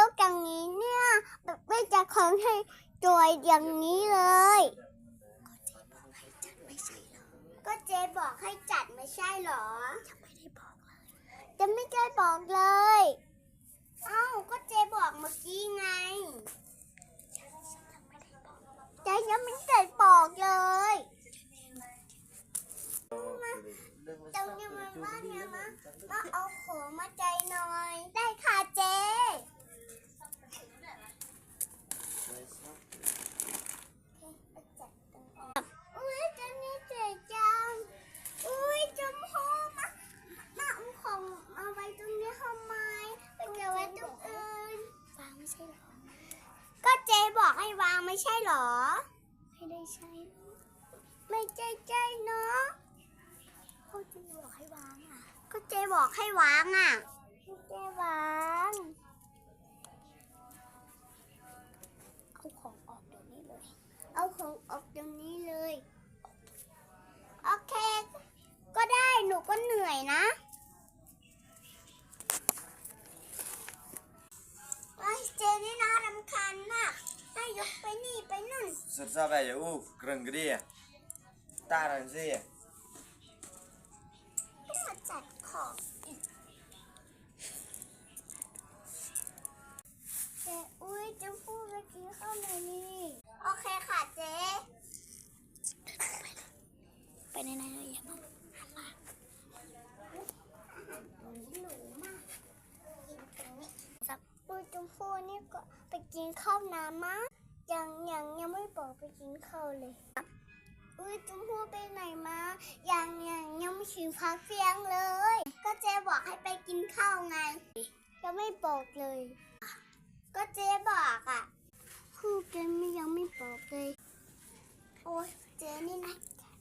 กอย่างนี้เนี่ยแบบไม่จะของให้จอยอย่างนี้เลยก็เจ๊บอกให้จัดไม่ใช่เหรอจะไม่ได้บอกเลยเอ้าก็เจ๊บอกเมื่อกี้ไงเจ๊ยังไม่ได้บอกเลยตรงนี้มันว่าเนี่ยมาเอาของมาใจหน่อยได้ค่ะเจ๊อุ้ยเจ๊นี่เจ๋จังอุ้ยจมพูมาเอาของเอาไว้ตรงนี้ทำไมไปเก็บไว้ตรงอื่นวางไม่ใช่หรอก็เจ๊บอกให้วางไม่ใช่หรอไม่ได้ใช่ไม่ใจเนาะก็เจ๊บอกให้วางอ่ะก็เจ๊บอกให้วางอ่ะเจ๊วางเอาของออกเดี๋ยวนี้เลยเอาของออกเดี๋ยวนี้เลยโอเคก็ได้หนูก็เหนื่อยนะไอ้เจนี่น่ารำคาญมากให้ยกไปนี่ไปนู่น Sersa veia, grande gria. Taranzinha. ต้องมาจัดของอีกเจ๊อุ้ยจะพูดไปกินข้าวหน่อยนี่โอเคค่ะเจ๊ไปไหนๆอย่ามาหันมาหนูมากกินตรงนี้อุ้ยจมพูนี่ก็ไปกินข้าวน้ำมั้งยังไม่บอกไปกินข้าวเลยอุ้ยจมพูไปไหนมายังไม่ถึงพักเที่ยงเลยก็เจ๊บอกให้ไปกินข้าวไงยังไม่บอกเลยก็เจ๊บอกอ่ะพูดกันยังไม่บอกเลยโอ้ยเจ๊นี่นะ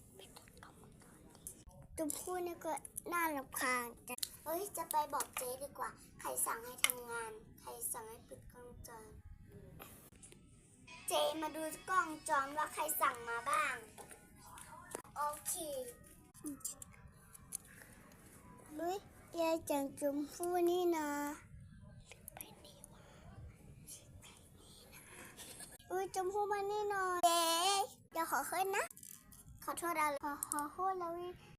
จมพูนี่ก็น่ารำคาญจังเฮ้ยจะไปบอกเจ๊ดีกว่าใครสั่งให้ทำงานใครสั่งให้ปิดกล้องจรเจ๊มาดูกล้องจรว่าใครสั่งมาบ้างโอเคลุยยายจังจมพูนี่นะไปนี่วะอุ้ยจมพูมานี่หน่อยเจ๊เดี๋ยวขอขึ้นนะขอโทษอะไรขอโทษแล้ว